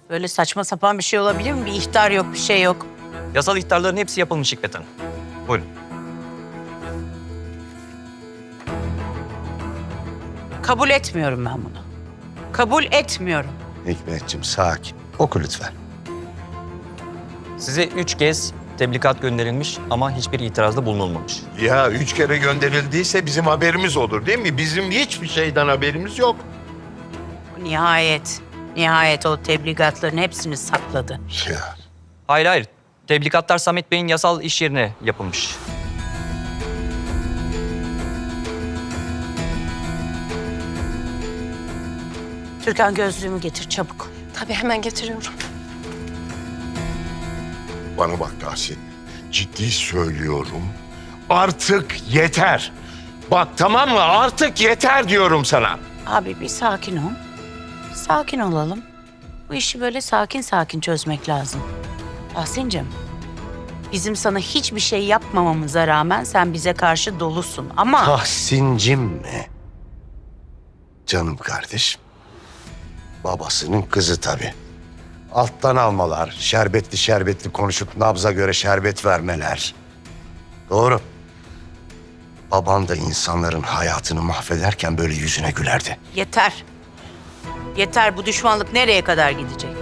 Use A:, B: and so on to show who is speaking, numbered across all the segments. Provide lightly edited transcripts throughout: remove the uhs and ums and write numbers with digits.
A: Böyle saçma sapan bir şey olabilir mi? Bir ihtar yok, bir şey yok.
B: Yasal ihtarların hepsi yapılmış Hikmet Hanım. Buyurun.
A: Kabul etmiyorum ben bunu. Kabul etmiyorum.
C: Hikmetciğim sakin. Oku lütfen.
B: Size 3 kez tebligat gönderilmiş ama hiçbir itirazda bulunulmamış.
D: Ya 3 kere gönderildiyse bizim haberimiz olur değil mi? Bizim hiçbir şeyden haberimiz yok.
A: Nihayet o tebligatların hepsini sakladı.
D: Ya.
B: Hayır. Tebligatlar Samet Bey'in yasal iş yerine yapılmış.
A: Türkan gözlüğümü getir çabuk.
E: Tabii hemen getiriyorum.
D: Bana bak Tahsin. Ciddi söylüyorum. Artık yeter. Bak tamam mı? Artık yeter diyorum sana.
A: Abi bir sakin ol. Sakin olalım. Bu işi böyle sakin sakin çözmek lazım. Tahsin'cim, bizim sana hiçbir şey yapmamamıza rağmen sen bize karşı dolusun ama...
C: Tahsincim mi? Canım kardeşim. Babasının kızı tabii. Alttan almalar, şerbetli konuşup nabza göre şerbet vermeler. Doğru. Baban da insanların hayatını mahvederken böyle yüzüne gülerdi.
A: Yeter. Yeter, bu düşmanlık nereye kadar gidecek?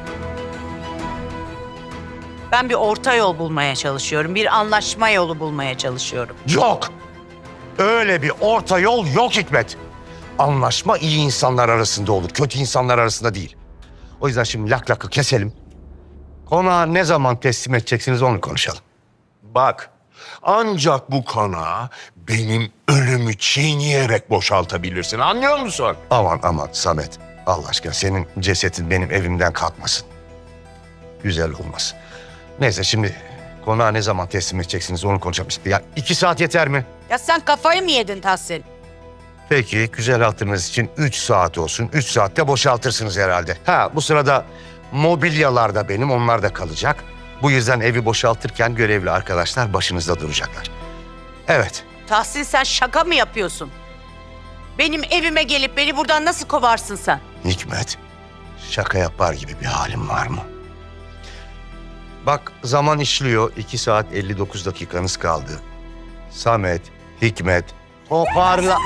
A: Ben bir orta yol bulmaya çalışıyorum. Bir anlaşma yolu bulmaya çalışıyorum.
C: Yok. Öyle bir orta yol yok Hikmet. Anlaşma iyi insanlar arasında olur, kötü insanlar arasında değil. O yüzden şimdi lak lakı keselim. Konağı ne zaman teslim edeceksiniz onu konuşalım.
D: Bak ancak bu konağı benim ölümü çiğneyerek boşaltabilirsin. Anlıyor musun?
C: Aman Samet. Allah aşkına senin cesetin benim evimden kalkmasın. Güzel olmaz. Neyse şimdi konağı ne zaman teslim edeceksiniz onu konuşalım. Ya 2 saat yeter mi?
A: Ya sen kafayı mı yedin Tahsin?
C: Peki güzel hatırınız için 3 saat olsun. 3 saatte boşaltırsınız herhalde. Ha bu sırada mobilyalar da benim, onlar da kalacak. Bu yüzden evi boşaltırken görevli arkadaşlar başınızda duracaklar. Evet.
A: Tahsin sen şaka mı yapıyorsun? Benim evime gelip beni buradan nasıl kovarsın sen?
C: Hikmet, şaka yapar gibi bir halim var mı? Bak zaman işliyor. 2 saat 59 dakikanız kaldı. Samet, Hikmet, toparla.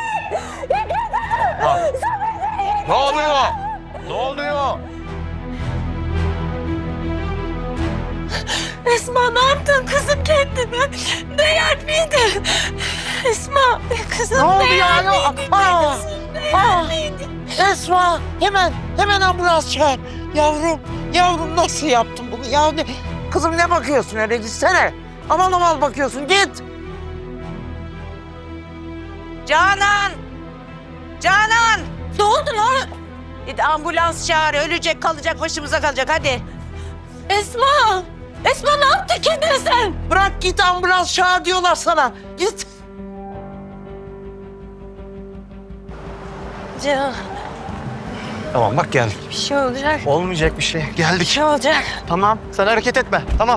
D: Ne oluyor? Ne oluyor?
E: Esma ne yaptın kızım kendine? Değer miydi? Esma kızım
F: Ne oldu
E: değer
F: ya?
E: miydi? Kızım değer miydi?
F: Esma hemen ambulans çağır. Yavrum nasıl yaptın bunu? Ya kızım ne bakıyorsun öyle gitsene. Aman bakıyorsun git.
A: Canan! Canan!
E: Ne oldu lan?
A: Git ambulans çağır. Ölecek kalacak başımıza kalacak hadi.
E: Esma! Esma ne yaptın kendine sen?
F: Bırak git ambulans çağır diyorlar sana. Git.
E: Can
C: Tamam bak geldik.
E: bir şey olacak.
C: Olmayacak bir şey.
E: Bir
C: Geldik.
E: şey olacak.
C: Tamam sen hareket etme. Tamam.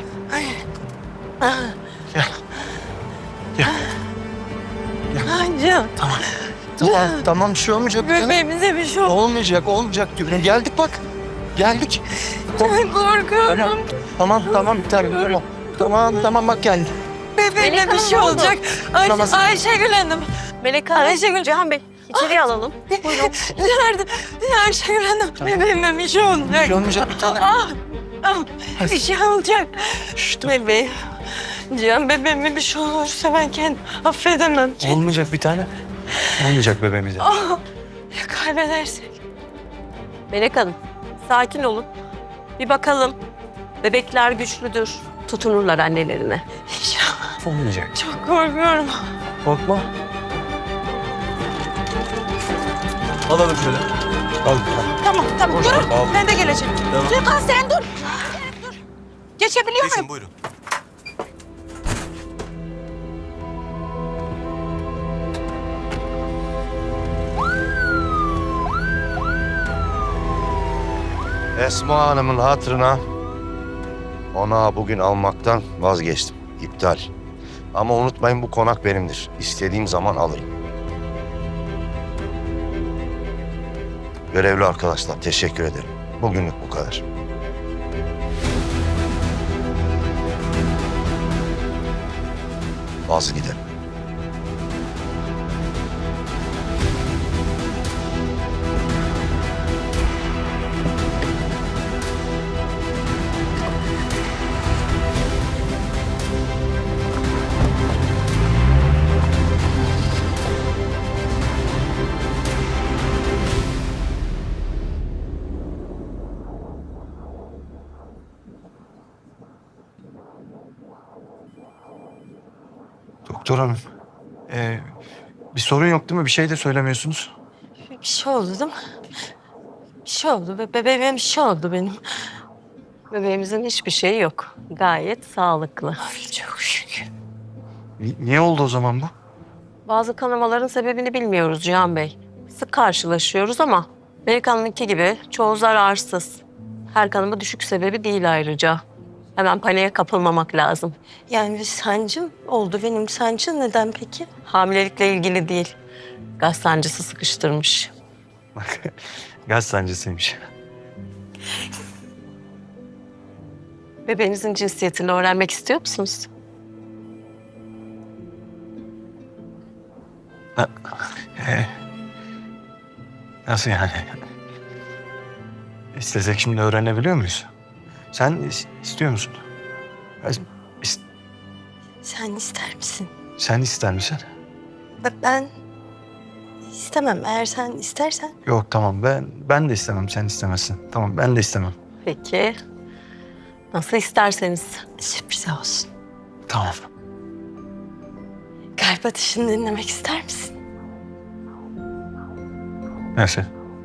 E: Ay Can.
C: Tamam bir şey olmayacak.
E: Bebeğimize bir şey oldu.
C: Olmayacak diyorum. Geldik bak. Geldik.
E: Çok korkuyorum.
C: Tamam bir tane. Tamam bak geldik.
E: Bebeğime bir şey olacak.
C: Tamam.
E: Ayşegül Hanım.
G: Melek Hanım,
E: Ayşegül.
G: Cihan Bey içeriye alalım. Buyurun.
E: Nerede? Ayşegül Hanım. Bebeğime bir şey olacak.
C: Olmayacak bir tane.
E: Bir şey olacak. Bebeğim. Cihan bebeğime bir şey olursa ben kendimi affedemem.
C: Olmayacak bir tane. Olmayacak bebeğimize.
E: Ya kaybedersek?
G: Melek Hanım, sakin olun. Bir bakalım. Bebekler güçlüdür. Tutunurlar annelerine.
E: İnşallah.
C: Olmayacak.
E: Çok korkuyorum.
C: Korkma.
B: Alalım şöyle.
C: Al.
A: Tamam dur. Ben de geleceğim. Türkan sen dur. Geçebiliyor muyum?
C: Buyurun. Esma Hanım'ın hatırına konağı bugün almaktan vazgeçtim. İptal. Ama unutmayın bu konak benimdir. İstediğim zaman alırım. Görevli arkadaşlar teşekkür ederim. Bugünlük bu kadar. Bazı gidelim.
H: Doktor hanım, bir sorun yok değil mi? Bir şey de söylemiyorsunuz.
E: Bir şey oldu değil mi? Bir şey oldu. Bebeğime bir şey oldu benim.
G: Bebeğimizin hiçbir şeyi yok. Gayet sağlıklı.
E: Çok şükür.
H: Niye oldu o zaman bu?
G: Bazı kanamaların sebebini bilmiyoruz Cihan Bey. Sık karşılaşıyoruz ama Melek Hanım'ınki gibi çoğu zararsız. Her kanama düşük sebebi değil ayrıca. Hemen paniğe kapılmamak lazım.
E: Yani bir sancım oldu benim. Sancı neden peki?
G: Hamilelikle ilgili değil. Gaz sancısı sıkıştırmış.
H: Gaz sancısıymış.
G: Bebeğinizin cinsiyetini öğrenmek istiyor musunuz?
H: Nasıl yani? İstesek şimdi öğrenebiliyor muyuz? Sen istiyor musun? İs-
E: Sen ister misin?
H: Sen ister misin?
E: Ben istemem. Eğer sen istersen.
H: Yok tamam ben de istemem sen istemezsin. Tamam ben de istemem.
G: Peki. Nasıl isterseniz.
E: Sürpriz olsun.
H: Tamam.
E: Kalp atışını dinlemek ister misin?
H: Nasıl?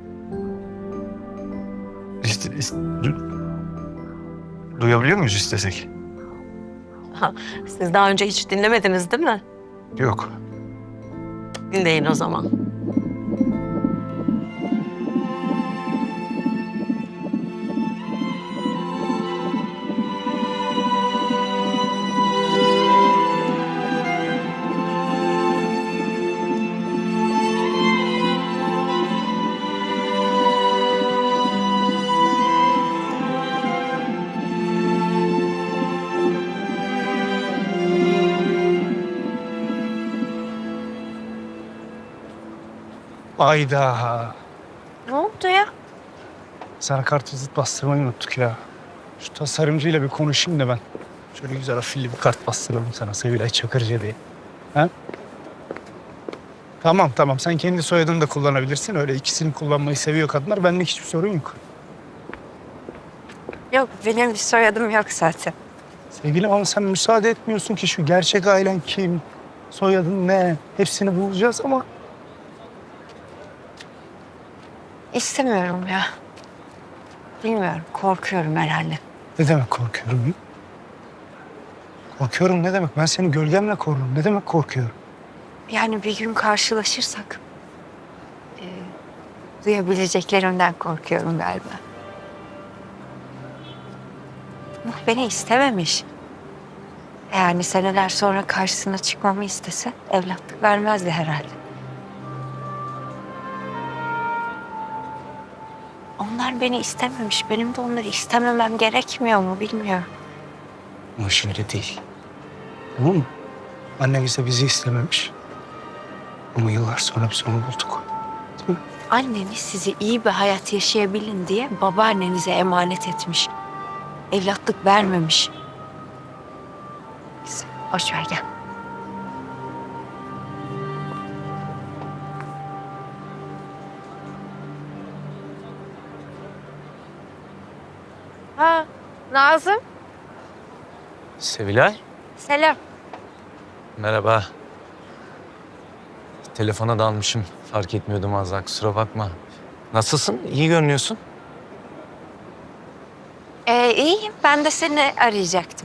H: Duyabiliyor muyuz istesek?
G: Siz daha önce hiç dinlemediniz değil mi?
H: Yok.
G: Dinleyin o zaman.
I: Ayda.
E: Ne oldu ya?
I: Sana kartvizit bastırmayı unuttuk ya. Şu tasarımcıyla bir konuşayım da ben. Şöyle güzel afilli bir kart bastıralım sana Sevilay Çakırcı diye. Ha? Tamam sen kendi soyadını da kullanabilirsin. Öyle ikisini kullanmayı seviyor kadınlar. Benlik hiçbir sorun yok.
E: Yok benim bir soyadım yok zaten.
I: Sevgilim ama sen müsaade etmiyorsun ki şu gerçek ailen kim? Soyadın ne? Hepsini bulacağız ama
E: İstemiyorum ya. Bilmiyorum. Korkuyorum herhalde.
I: ne demek korkuyorum? Korkuyorum ne demek? Ben seni gölgemle korurum. Ne demek korkuyorum?
J: Yani bir gün karşılaşırsak duyabileceklerimden korkuyorum galiba. Nuh beni istememiş. Yani seneler sonra karşısına çıkmamı istese evlatlık vermezdi herhalde. Onlar beni istememiş. Benim de onları istememem gerekmiyor mu bilmiyorum.
I: Ama şöyle değil. Tamam mı? Annen ise bizi istememiş. Ama yıllar sonra biz onu bulduk. Değil mi?
J: Anneniz sizi iyi bir hayat yaşayabilin diye babaannenize emanet etmiş. Evlatlık vermemiş. Neyse, boş ver gel. Ha, Nazım.
B: Sevilay,
J: Selam.
B: merhaba. Telefona dalmışım. Fark etmiyordum az daha, kusura bakma. Nasılsın? İyi görünüyorsun.
J: İyiyim. Ben de seni arayacaktım.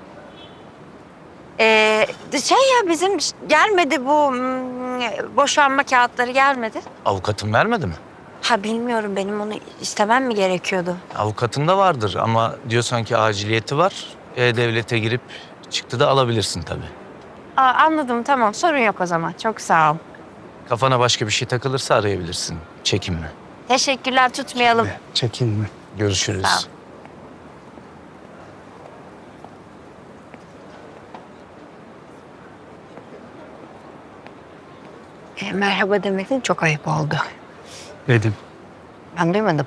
J: Ya bizim gelmedi bu boşanma kağıtları gelmedi.
B: Avukatın vermedi mi?
J: Ha bilmiyorum benim onu istemem mi gerekiyordu?
B: Avukatın da vardır ama diyorsan ki aciliyeti var. E-Devlet'e girip çıktı da alabilirsin tabii.
J: Anladım tamam sorun yok o zaman. Çok sağ ol.
B: Kafana başka bir şey takılırsa arayabilirsin. Çekinme.
J: Teşekkürler tutmayalım.
I: Çekinme.
B: Görüşürüz.
J: Sağ ol. Merhaba demedin, çok ayıp oldu.
I: Dedim.
J: Ben duymadım.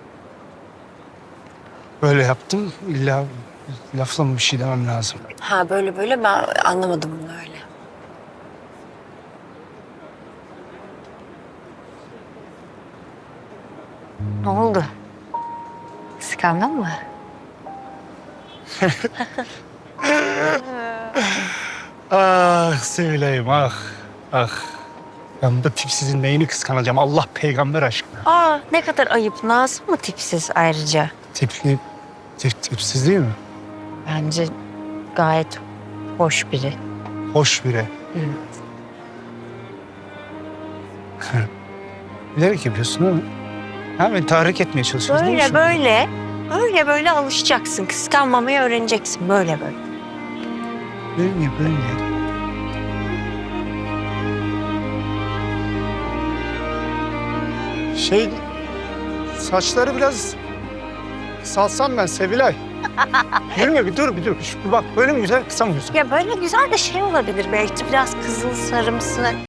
I: Böyle yaptım. İlla lafla mı bir şey demem lazım.
J: Ha böyle böyle ben anlamadım bunu öyle. Ne oldu? Kıskandın mı?
I: Ah Sevilay'ım ah. Ah. Ben de tipsizin neyini kıskanacağım Allah peygamber aşkına.
J: Aa ne kadar ayıp. Nazım mı tipsiz ayrıca?
I: Tipsiz değil mi?
J: Bence gayet hoş biri.
I: Hoş biri. Bilerek yapıyorsun değil mi? Ha beni tahrik etmeye çalışıyorsun değil mi?
J: Böyle
I: şimdi?
J: böyle. Böyle böyle alışacaksın. Kıskanmamayı öğreneceksin. Böyle böyle.
I: Böyle. Saçları biraz salsam ben Sevilay. Yürüme bir dur. Şu, bak böyle mi güzel kısa mı güzel?
J: Ya böyle güzel de şey olabilir belki biraz kızıl sarımsı.